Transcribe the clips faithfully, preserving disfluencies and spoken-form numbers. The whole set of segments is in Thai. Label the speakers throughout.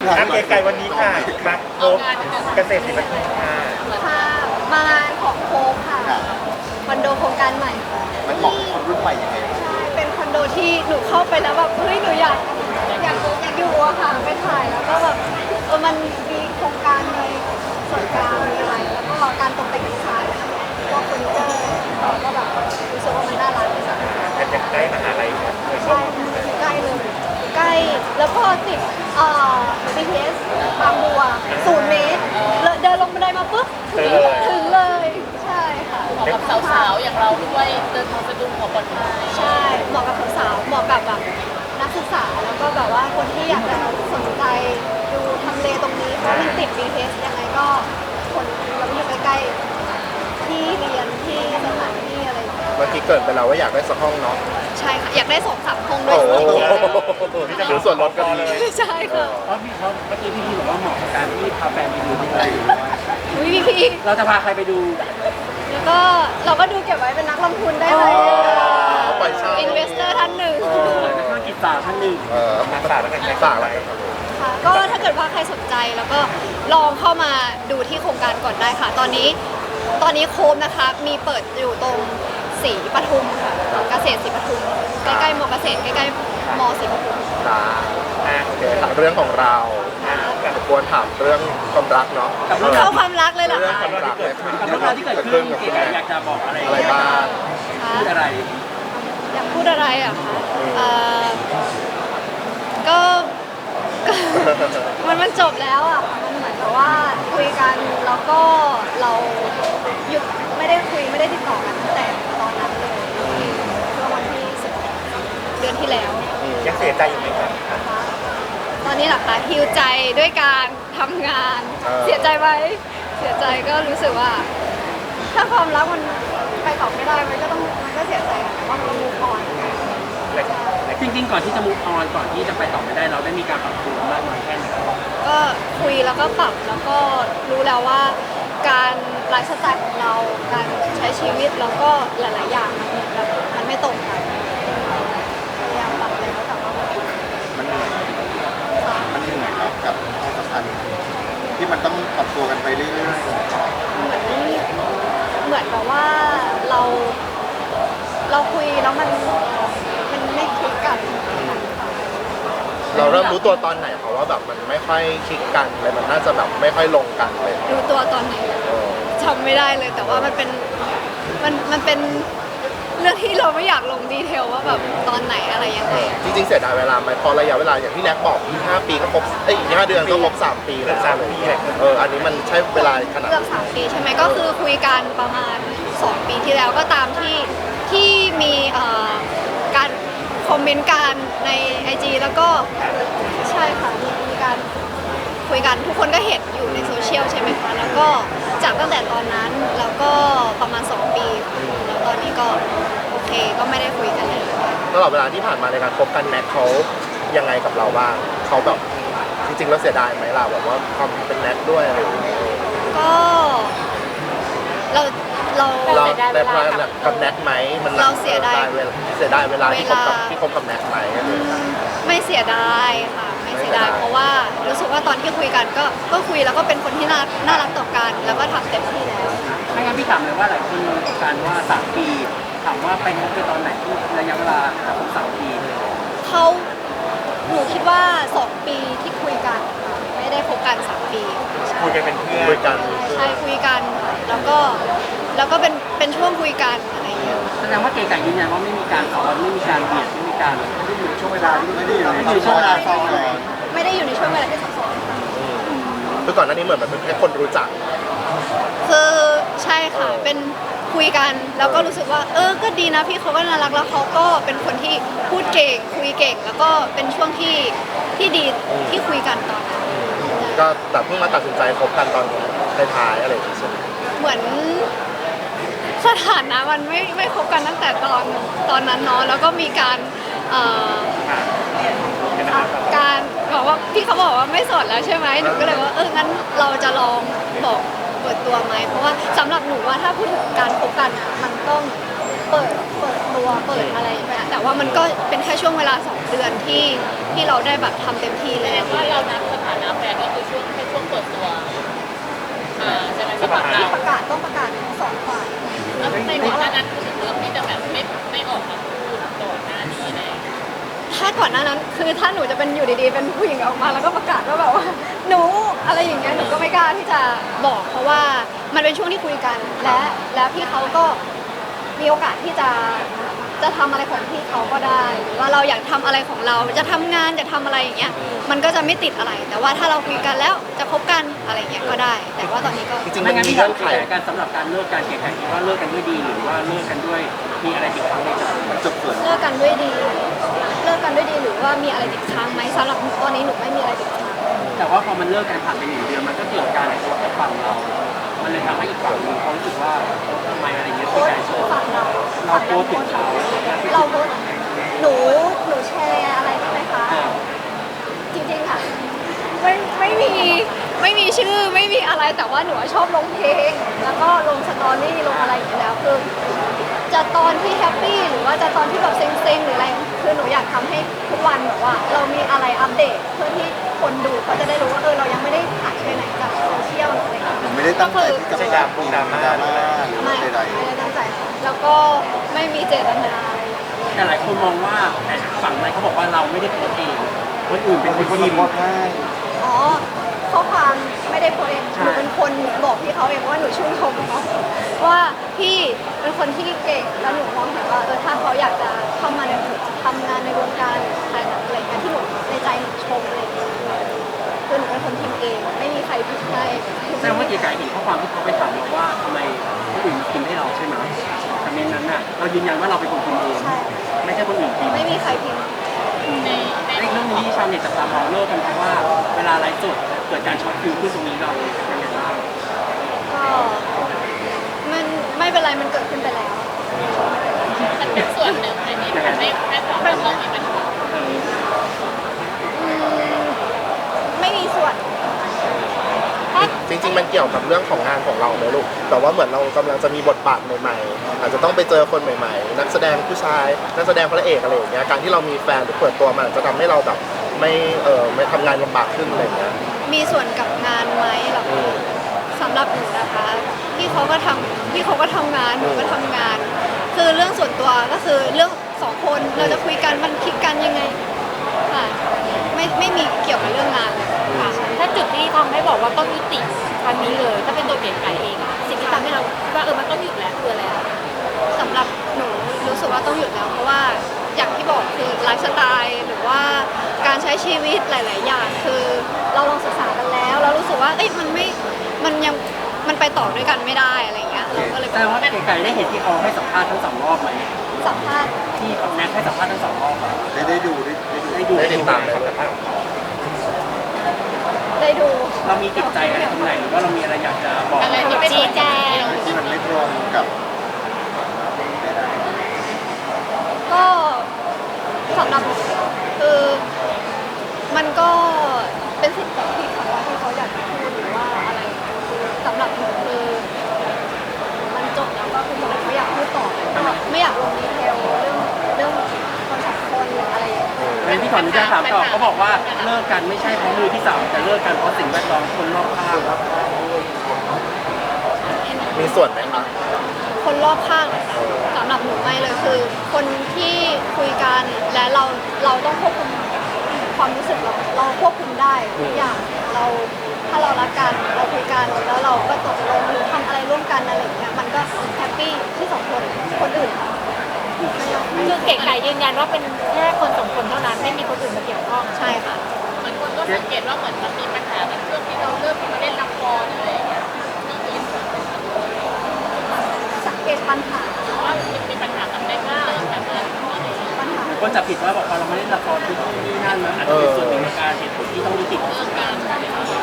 Speaker 1: อัปเดตไก่วันนี้ค่ะมาโคมเกษตรศิลปาค่ะ
Speaker 2: ค่ะมางานของโคมค่ะคอนโดโครงการใหม่
Speaker 3: มันเหมาะกับคนรุ่นใหม่ยังไง
Speaker 2: ใช่เป็นคอนโดที่หนูเข้าไปแล้วแบบเฮ้ยหนูอยากอยากอยากอยู่อะค่ะไปถ่ายแล้วก็แบบเออมันมีโครงการในส่วนกลางมีอะไรแล้วก็การตกแต่งดีไซน์พวกเฟอร์นิเจอร์ก็แบบรู้สึกว่ามันน่ารัก
Speaker 1: เป็นใกล้มหาลัยครับ
Speaker 2: ใช่ใกล้เลยใกล้แล้วก็ติดเอ่อ บี ที เอส บางบัวศูนย์เมตรเดินลงบันไดมาปุ๊บถึงถึงเลยใช่ค่ะ
Speaker 4: เหมาะกับสาวๆอย่างเราด้วยเดินทางสะดวกปลอดภัย
Speaker 2: ใช่เหมาะกับสาวๆเหมาะกับแบบนักศึกษาแล้วก็แบบว่าคนที่อยากจะสนใจดูทำเลตรงนี้เพราะมันติด บี ที เอส ยังไงก็คนเราอยู่ใกล้ๆที่เรียนที่สถานที่อะไรอย่างเงี้ย
Speaker 3: เมื่อกี้เกิดไปแล้วว่าอยากได้สักห้องเนาะ
Speaker 2: ใช่ค่ะอยากได้สองสามห้องด้วย
Speaker 3: หรือส่วนลดก็มี
Speaker 2: ใช่ค่ะ
Speaker 5: เพราะพี่เพราะเมื่อกี้พี่พีบอกว่าเหมาะกับการที่พาแฟนไปดูที่ไหน
Speaker 2: อุ้ยพี่พี
Speaker 5: เราจะพาใครไปดู
Speaker 2: แล้วก็เราก็ดูเก็บไว้เป็นนักลงทุนได้เลย
Speaker 3: ปล่อยเช่า
Speaker 2: อินเวสเตอร์ท่านหนึ่ง
Speaker 5: นักธุรกิจสาวท่านหนึ่ง
Speaker 1: นักศึกษาแล้วกันนักศึกษาอะไร
Speaker 2: ค่ะก็ถ้าเกิดว่าใครสนใจแล้วก็ลองเข้ามาดูที่โครงการก่อนได้ค่ะ ตอนนี้ตอนนี้โคมนะคะมีเปิดอยู่ตรงศรีปทุมค่ะเกษตรศรีปทุมใกล้ๆมอเกษตรใกล้ๆมอศรีปทุม
Speaker 3: จ้าโอเคเรื่องของเราควรถามเรื่องความรักเนาะ
Speaker 2: เข้าความรักเลยเหรอ
Speaker 3: เรื่อง
Speaker 2: คะ
Speaker 3: ความรักเลย
Speaker 5: กับเรื่องราวที่เกิดขึ้นเก๋อยากจะบอกอะไร
Speaker 3: อะไรบ้าง
Speaker 5: พูดอะไร
Speaker 2: อยากพูดอะไรอ่ะคะเอ่อก็ มันมันจบแล้วอ่ะมันเหมือนกับว่าคุยกันแล้วก็เราหยุดไม่ได้คุยไม่ได้ติดต่อกันตั้งแต่ตอนนั้นเลยช่วงวันที่สิบเดือนที่แล้ว
Speaker 1: ยังเสียใจอยู่ไหมครับ
Speaker 2: ตอนนี้หลักคะฮิวใจด้วยการทำงานเสียใจไหมเสียใจก็รู้สึกว่าถ้าความรักมันไปต่อไม่ได้มันก็ต้องมันก็เสียใจแต่ว่ามันมูฟออน
Speaker 5: จริงๆก่อนที่จะมุกออนก่อนที่จะไปต่อไม่ได้เราได้มีการปรับตัวมากน้อยแค่ไหน
Speaker 2: ก็คุยแล้วก็ปรับแล้วก็รู้แล้วว่าการไลฟ์สไตล์ของเราการใช้ชีวิตแล้วก็หลายๆอย่างมันแบบมันไม่ตรงกันพยายามปรับเลยแต่ว่า
Speaker 3: มันเหนื่อยมันเหนื่อยครับกับความสัมพันธ์ที่มันต้องปรับตัวกันไปเรื่อยๆ
Speaker 2: เหมือนเหมือนแบบว่าเราเราคุยแล้วมันมันไม่คลิกกัน
Speaker 3: เราเริ่มรู้ตัวตอนไหนเพราะว่าแบบมันไม่ค่อยคลิกกันเลยมันน่าจะแบบไม่ค่อยลงกันเลย
Speaker 2: รู้ตัวตอนไหนจำไม่ได้เลยแต่ว่ามันเป็นมันมันเป็นเรื่องที่เราไม่อยากลงดีเทลว่าแบบตอนไหนอะไรยังไง
Speaker 3: จริงๆเสียดายเวลาไหมพอระยะเวลาอย่างที่แน็กบอกอีกห้าปีก็ครบเอ้ยอีกห้าเดือนก็ครบสามปีแล้ว
Speaker 1: สามปีเลย
Speaker 3: เอออันนี้มันใช้เวลาขนาด
Speaker 2: เกือบสามปีใช่ไหมก็คือคุยกันประมาณสองปีที่แล้วก็ตามที่ที่มีการคอมเมนต์กันใน ไอ จี แล้วก็ใช่ค่ะมีมีการคุยกันทุกคนก็เห็นอยู่ในโซเชียลใช่ไหมคะแล้วก็จากตั้งแต่ตอนนั้นแล้วก็ประมาณสองปีแล้วตอนนี้ก็โอเคก็ไม่ได้คุยกันเลย
Speaker 3: ตลอดเวลาที่ผ่านมาในการคบกันแน็กเขายังไงกับเราบ้างเขาแบบจริงๆแล้วเสียดายไหมล่ะแบบว่าความเป็นแน็กด้วยอะไรอย่างเงี้ย
Speaker 2: ก็เราเรา
Speaker 3: เราได้พลาดกับแน็กไหมมัน
Speaker 2: เราเสียดาย
Speaker 3: เสียดายเวลาที่คบกับที่คบกับแน็กไหม
Speaker 2: ไม่เสียดายค่ะไม่เสียดายเพราะว่ารู้สึกว่าตอนที่คุยกันก็ก็คุยแล้วก็เป็นคนที่น่าน่ารักต่อกันแล้วก็ทำเต็มที่แล้ว
Speaker 5: ไม่งั้นพี่ถามเลยว่าหลายคนมีประสบการณ์ว่าสามปีถามว่าไปคบกันตอนไหนที่ระยะเวลาคบสามปี
Speaker 2: เขาหนูคิดว่าสองปีที่คุยกันไม่ได้คบกันสามปี
Speaker 1: คุยกันเป็นเพื่อน
Speaker 3: คุยกัน
Speaker 2: ใช่คุยกันแล้วก็แล้วก็เป็นเป็นช่วงคุยกันอะไรอย่างเงี้ย
Speaker 5: แสดงว่าเก๋ไก่ยืนยันว่าไม่มีการสอนไม่มีการเบียดไม่มีการไม่ได้อยู่ในช่วงเวลาที่ไม่ได้อยู่ในช่วงเวลาซ้อน
Speaker 2: ไม่ได้อยู่ในช่วงเวลาที่ซับซ้อน
Speaker 3: คือก่อนหน้านี้เหมือนเป็นแค่คนรู้จัก
Speaker 2: คือใช่ค่ะเป็นคุยกันแล้วก็รู้สึกว่าเออก็ดีนะพี่เขาก็น่ารักแล้วเขาก็เป็นคนที่พูดเก่งคุยเก่งแล้วก็เป็นช่วงที่ที่ดีที่คุยกันตอนนั้น
Speaker 3: ก็แต่เพิ่งมาตัดสินใจคบกันตอนท้ายๆอะไรอย่างเงี้ย
Speaker 2: เหมือนสถานะมันไม่ไม่คบกันตั้งแต่ตอนตอนนั้นเนาะแล้วก็มีการการบอกว่าพี่เขาบอกว่าไม่โสดแล้วใช่ไหมหนูก็เลยว่าเอองั้นเราจะลองบอกเปิดตัวไหมเพราะว่าสำหรับหนูว่าถ้าพูดถึงการคบกันอ่ะมันต้องเปิดเปิดตัวเปิดอะไรไปแต่ว่ามันก็เป็นแค่ช่วงเวลาสองเดือนที่ที่เราได้แบบทำเต็มที่เลย
Speaker 4: ว่าเรานับสถานะอัพแฟนก็คือช่วงแค่ช่วงเปิดตัวอ่าใช่ไหมที่ประกาศ
Speaker 2: ประกาศต้องประกาศสองฝ่าย
Speaker 4: แล้วในก่อนหน้านั้นคือเรื่องที่จะแบบไม่ไม่ออกมาพูดก่อนหน้านี้เลย
Speaker 2: ถ้าก่อนหน้านั้นคือถ้าหนูจะเป็นอยู่ดีๆเป็นผู้หญิงออกมาแล้วก็ประกาศว่าแบบว่าหนูอะไรอย่างเงี้ยหนูก็ไม่กล้าที่จะบอกเพราะว่ามันเป็นช่วงที่คุยกันและและพี่เขาก็มีโอกาสที่จะจะทำอะไรของพี่เขาก็ได้หรือว่าเราอยากทำอะไรของเราจะทำงานจะทำอะไรอย่างเงี้ยมันก็จะไม่ติดอะไร แต่ว่าถ้าเราคุยกันแล้วจะคบกันอะไรอย่างเงี้ยก็ได้ แต่ว่าตอนนี้ก็
Speaker 3: จริงๆ
Speaker 5: ไม่
Speaker 3: มัน
Speaker 5: งั้น
Speaker 3: มี
Speaker 5: พี่ถา
Speaker 3: เงื่
Speaker 5: ม
Speaker 3: อนไข
Speaker 5: แข่กันสำหรับการเลิกการแข่งขันคิดว่าเลิกกันด้วยดีหรือว่าเลิกกันด้วยมีอะไรติดค้างในใจจบส่วน
Speaker 2: เลิกกันด้วยดีเลิกกันด้วยดีหรือว่ามีอะไรติดค้างไหมสำหรับตอนนี้หนูไม่มีอะไรติดค้าง
Speaker 5: แต่ว่าพอมันเลิกกันผ่านไปหนึ่งเดือนมันก็เกิดการโพสต์กับฝั่งเรา มันเลยทำให้อีกฝั่งหนึงเขารู้สึกว่าทำไมอะไรเงี้ย
Speaker 2: โพ
Speaker 5: คือ
Speaker 2: ส
Speaker 5: การ
Speaker 2: ต์
Speaker 5: โชว์
Speaker 2: ฝั่งเรา
Speaker 5: เราโพสต์ถึงเขา
Speaker 2: เราโพสต์หนูหนูแชร์อะไรใช่ไหมคะ
Speaker 5: อ่า
Speaker 2: จริงๆอ่ะไม่ไม่มีไม่มีชื่อไม่มีอะไรแต่ว่าหนูชอบลงเพลง แล้วก็ลงสตอรี่ลงอะไรอย่างเงี้ยแล้วคือจะตอนที่แฮปปี้หรือว่าจะตอนที่แบบเซ็งๆหรืออะไรคือหนูอยากทำให้ทุกวันแบบว่า เรามีอะไรอัปเดตเพื่อที่คนดูเขาจะได้รู้ว่าเออเรายังไม่ได้หายไปไหนจากโซเชียลหรืออะไรอย่างเงี้ย
Speaker 1: ไม่ได้ตั้งใจที่จะไปด่าพวกดราม่าหรืออะไร
Speaker 2: ไม่
Speaker 1: ใด
Speaker 2: ไม่ได้ตั้งใจค่ะแล้วก็ไม่มีเจตนาอะไรอย่างเงี้ย
Speaker 5: แต่หลายคนมองว่าแต่ฝั่งในเขาบอกว่าเราไม่ได้โพสต์เองคนอื่นเป็น
Speaker 1: ๆ
Speaker 5: ค
Speaker 1: เป็น
Speaker 5: น
Speaker 1: คน
Speaker 5: พิม
Speaker 1: โพ
Speaker 5: พ์
Speaker 1: สต์ให้
Speaker 2: อ๋อข้อความไม่ได้โพสต์เอง
Speaker 5: ใช่
Speaker 2: หนูเป็นคนบอกพี่เขาเองว่าหนูชื่นชมเขาว่าพี่เป็นคนที่เก่งแล้วหนูมองเห็นว่าเออถ้าเขาอยากจะเข้ามาในทำงานในวงการถ่ายหนังอะไรอย่างเงี้ยที่หนูในใจหนูชมอะไรอย่างเงี้ยคือหนูเป็นคนพิมพ์เองไม่มีใครพิมพ์ให้
Speaker 5: แสดงว่าเก๋ไก่เห็นข้อความที่เขาไปถามเราว่าทำไมคนอื่นพิมพ์ให้เราใช่ไหมคอมเมนต์นั้นน่ะเรายืนยันว่าเราเป็นคนพิมพ์เอง
Speaker 2: ใช่
Speaker 5: ไม่ใช่คนอื่นพิมพ์
Speaker 2: ไม่มีใครพิมพ์
Speaker 4: ในใน
Speaker 5: ไอ้เรื่องนี้ชาวเน็ตจับตามองเลิกกันเพราะว่าเวลาไลฟ์สดเกิดการช็อตฟิวขึ้นตรงนี้เรายังไงบ้าง
Speaker 2: ก็มันไม่เป็นไรมันเกิดขึ้นไปแล้ว
Speaker 4: มันเป็นส่วนหนึ่งในที่ทำให้ให้ความรักเรามีปัญหา
Speaker 5: เออ
Speaker 2: อืมไม่มีส่วน
Speaker 3: จริงๆ มันเกี่ยวกับเรื่องของงานของเราไหมลูกแต่ว่าเหมือนเรากำลังจะมีบทบาทใหม่ๆ อาจจะต้องไปเจอคนใหม่ๆ นักแสดงผู้ชาย นักแสดงพระเอกอะไรอย่างเงี้ย การที่เรามีแฟนหรือเปิดตัวมันอาจจะทำให้เราแบบไม่เออไม่ทำงานลำบากขึ้นอะไรอย่างเงี้ย
Speaker 2: มีส่วนกับงานไหมหรอ
Speaker 3: อืม
Speaker 2: สำหรับหนูนะคะพี่เขาก็ทำพี่เขาก็ทำงานหนูก็ทำงาน คือเรื่องส่วนตัวก็คือเรื่องสองคนเราจะคุยกันมันคลิกกันยังไงค่ะไม่ไม่มีเกี่ยวกับเรื่องงานเลยค่ะ
Speaker 6: ถ้าจุดที่ทำให้บอกว่าต้องยุติครั้งนี้เลย ถ้าเป็นตัวเก๋ไก่เองอะสิ่งที่ทำให้เราคิดว่าเออมันต้องหยุดแล้วคืออะไรอะ
Speaker 2: สำหรับหนูรู้สึกว่าต้องหยุดแล้ว เพราะว่าอย่างที่บอกคือไลฟ์สไตล์หรือว่าการใช้ชีวิตหลาย ๆ อย่าง คือเราลองศึกษากันแล้วเรารู้สึกว่าเอ้ยมันไม่มันยังมันไปต่อด้วยกันไม่ได้อะไรเงี้ยเราก็เลย
Speaker 5: แสดงว่าเก๋ไก่ได้เห็นที่เขาให้สัมภาษณ์ทั้งสองรอบไหม
Speaker 2: สัมภาษณ์
Speaker 5: ที่แน็กให้สัมภาษณ์ทั้งสองรอบอะ
Speaker 1: ได้ได้ดูได้ได้ดู
Speaker 5: ได้ดู
Speaker 3: ได้ติดตามไหม
Speaker 2: ได้ดู
Speaker 5: เรามีติดใจอะไรตรงไหนหรือว่าเรามีอะไรอยากจะบอก
Speaker 4: อะไรที่เป็น
Speaker 6: ชี้แจง
Speaker 1: ที่มันไม่ตรงกับ
Speaker 2: ก็สำหรับหนูคือมันก็เป็นสิทธิ์ของพี่เขาว่าที่เขาอยากจะพูดหรือว่าอะไรคือสำหรับหนูคือมันจบแล้วก็คือหนูไม่อยากพูดต่อก็ไม่อยากลงดีเทลเรื่องเรื่องคนสองคนหรืออะไรอย่างเงี้ย
Speaker 5: งั้นที่ขออนุญาตถามต่อเขาบอกว่าเลิกกันไม่ใช่เพราะมือที่สามแต่เลิกกันเพราะสิ่งแวดล้อมคนรอบข้าง
Speaker 3: มีส่วนไหมคะ
Speaker 2: คนรอบข้างนะคะสำหรับหนูไม่เลยคือ คนที่คุยกันและเราเราต้องควบคุมความรู้สึกเราเราควบคุมได้ทุกอย่างเราถ้าเรารักกันเราคุยกันแล้วเราก็ตกลงหรือทำอะไรร่วมกันอะไรอย่างเงี้ยมันก็แฮปปี้ที่สองคนคนอื่นไม่ต้อง
Speaker 6: คือเก๋ไก่ยืนยันว่าเป็นแค่คนสองคนเท่านั้นไม่มีคนอื่นมาเกี่ยวข้อง
Speaker 2: ใช่ค่ะ
Speaker 4: เหมือนคนก็สังเกตว่าเหมือนมันมีปัญหากันช่วงที่เราเริ่มมาเล่นละครอะไรอย่างเงี้ยเรื่องนี้
Speaker 2: สังเกตปัญหา
Speaker 4: ว่ามันมีปัญหากับแม่ก้าแบบนั้นอะไรอย่างเงี้ย
Speaker 2: ปัญหา
Speaker 5: คนจับผิดว่าบอกว่าเราไม่ได้ละครทุกที่นั่นนะอาจจะเป็นส่วนหนึ่งในการเหตุผลที่ต้องยุติ
Speaker 4: เรื่องการอะไรอย่างเงี้ย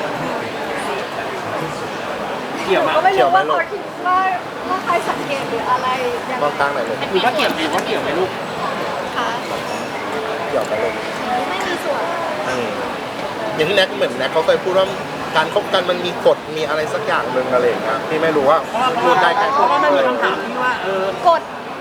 Speaker 5: เกี่ยว
Speaker 2: หนู
Speaker 5: มา
Speaker 2: ก็ไม่รู้ว่าเขาคิดว่าว่าใครสังเกตหรืออะไรยัง
Speaker 3: มองกลางหน่อยลูก
Speaker 5: หรือว่าเกี่ยวหรือว่าเกี่ยวไหมลูก
Speaker 2: ค่ะ
Speaker 3: เกี่ยวกับลูก
Speaker 2: ไม่มีส่วน
Speaker 3: อืมอย่างที่แน็กเหมือนแน็กเขาเคยพูดว่าการคบกันมันมีกฎมีอะไรสักอย่างหนึ่งอะไรอย่างเงี้ยพี่ไม่รู้ว่า
Speaker 5: เพราะว่าเพ
Speaker 3: พู
Speaker 5: ราะ
Speaker 3: ดได้
Speaker 5: ว่า
Speaker 3: แค่
Speaker 5: เพราะว่ามันมีคำถามที่ว่าเออก
Speaker 2: ฎ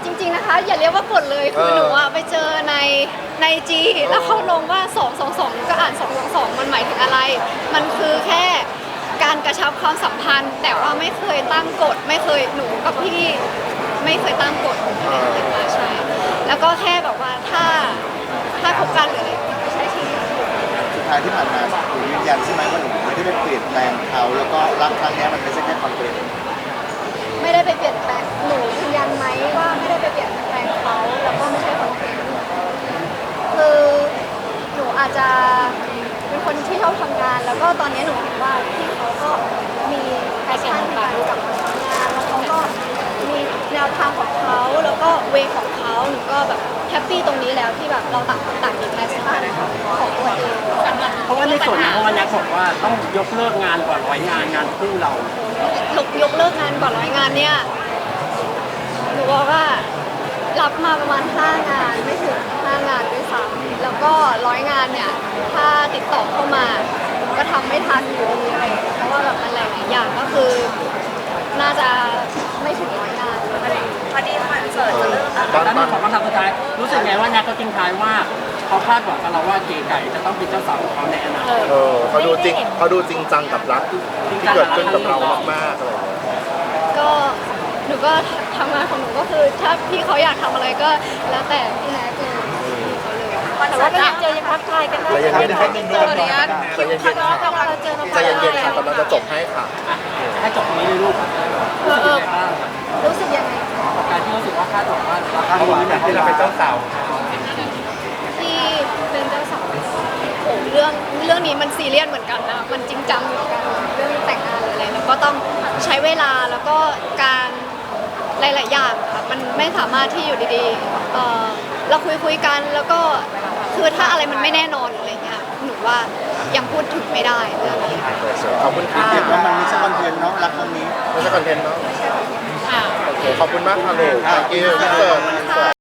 Speaker 2: จริงๆนะคะ อย่าเรียกว่ากดเลยคือ
Speaker 3: เออ
Speaker 2: หนูอะไปเจอในในจีแล้วเขาลงว่าสอง สอง สองก็อ่านสอง สอง สองมันหมายถึงอะไร มันคือแค่การกระชับความสัมพันธ์ แต่ว่าไม่เคยตั้งกฎไม่เคยหนูกับพี่ไม่เคยตั้งกฎอะไรอย่างเงี้ยใช่แล้วก็แค่แบบว่าถ้าถ้าคบกันหรืออะไรก็ใช้ชีวิต
Speaker 7: สุดท้ายที่ผ่านมาหนูยืนยันใช่ไหมว่าหนูไม่ได้ไปเปลี่ยนแปลงเขาแล้วก็รักครั้งเนี้ยมันไม่ใช่แค่ความเปลี่ยน
Speaker 2: ไม่ได้ไปเปลี่ยนแปลงหนูยืนยันไหมว่าไม่ได้ไปเปลี่ยนแปลงเขาแล้วก็ไม่ใช่คอนเทนต์คือหนูอาจจะเป็นคนที่ชอบทำงาน แล้วก็ตอนนี้หนูเห็นว่าพี่เขาก็มีแพชชั่นในการรู้จักทำงานแล้วเขาก็มีแนวทางของเขาแล้วก็เวของเขาหนูก็แบบแฮปปี้ตรงนี้แล้วที่แบบเราต่างคนต่างมีแพชชั่นของตัวเอง
Speaker 5: เพราะว่าในส่วนของวันนี้บอกว่าต้องยกเลิกงานก่อนร้อยงานงานคู่เรา
Speaker 2: ยกยกเลิกงานก่อนร้อยงานเนี่ยหนูบอกว่ารับมาประมาณห้างานไม่ถึงห้างานด้วยซ้ำแล้วก็ร้อยงานเนี่ยถ้าติดต่อเข้ามาก็ทำไม่ทันอยู่ดีอะไรอย่างเงี้ยเพราะว่าแบบมันหลายๆอย่างก็คือ น่าจะไม่ถึงร้อยงาน
Speaker 4: พอดีคอนเสิร์ตจะเริ่ม
Speaker 3: ตอน
Speaker 5: แล้ว
Speaker 3: ต
Speaker 5: มี
Speaker 3: อน
Speaker 5: ของคำถามสุดท้ายรู้สึกไงว่าแน็กก็ทิ้งท้ายว่าเขาคาดหวังกับเราว่าเก๋ไก่จะต้องเป็นเจ้าสาวของเขาในอนาคต
Speaker 3: เออเขาดูจริงเขาดูจริงจังกับรักที่ที่เกิดขึ้นกับเรามากๆอะไรอย่างเงี้ย
Speaker 2: ก็หนูก็ทำงานของหนูก็คือถ้าพี่เขาอยากทำอะไรก็แล้วแต่พี่แน็กเลยเขาเลย
Speaker 6: แต่ว่าก็ยังเจอยังทักทายกันได้
Speaker 3: ใจเย็นๆครับ
Speaker 6: เจอเนี้ย
Speaker 3: ใจเย็นๆค่ะ
Speaker 6: เราเจอเรา
Speaker 3: ใจเย็นๆค่ะกำลังจะจบให้ค่ะ
Speaker 5: ให้จบตรงนี้เลยลูก
Speaker 2: เออเออ
Speaker 5: บ้าง
Speaker 2: รู้สึกยังไง
Speaker 5: กับการที่รู้สึกว่าคาดหวังว่าเรา
Speaker 1: เขาบอกว่าที่เราเป็นเจ้าสาว
Speaker 2: ที่เป็นเจ้าสาวโอ้เรื่องเรื่องนี้มันซีเรียสเหมือนกันนะมันจริงจังเหมือนกันเรื่องแต่งงานหรืออะไรแล้วก็ต้องใช้เวลาแล้วก็การหลาย ๆ อย่างค่ะมันไม่สามารถที่อยู่ดีๆเออเราคุยคุยกันแล้วก็คือถ้าอะไรมันไม่แน่นอนหรืออะไรเงี้ยหนูว่ายังพูดถึงไม่ได้เรื่องนี้
Speaker 3: ขอบคุณค่ะ
Speaker 7: เห็นว่ามันไม่ใช่คอนเทนต์เนาะรักครั้งนี้
Speaker 3: ไม่ใช่คอนเทนต์เนาะ
Speaker 6: อ่า
Speaker 3: โอเคขอบคุณมากค่ะลูก thank you พี่เสิร์ฟ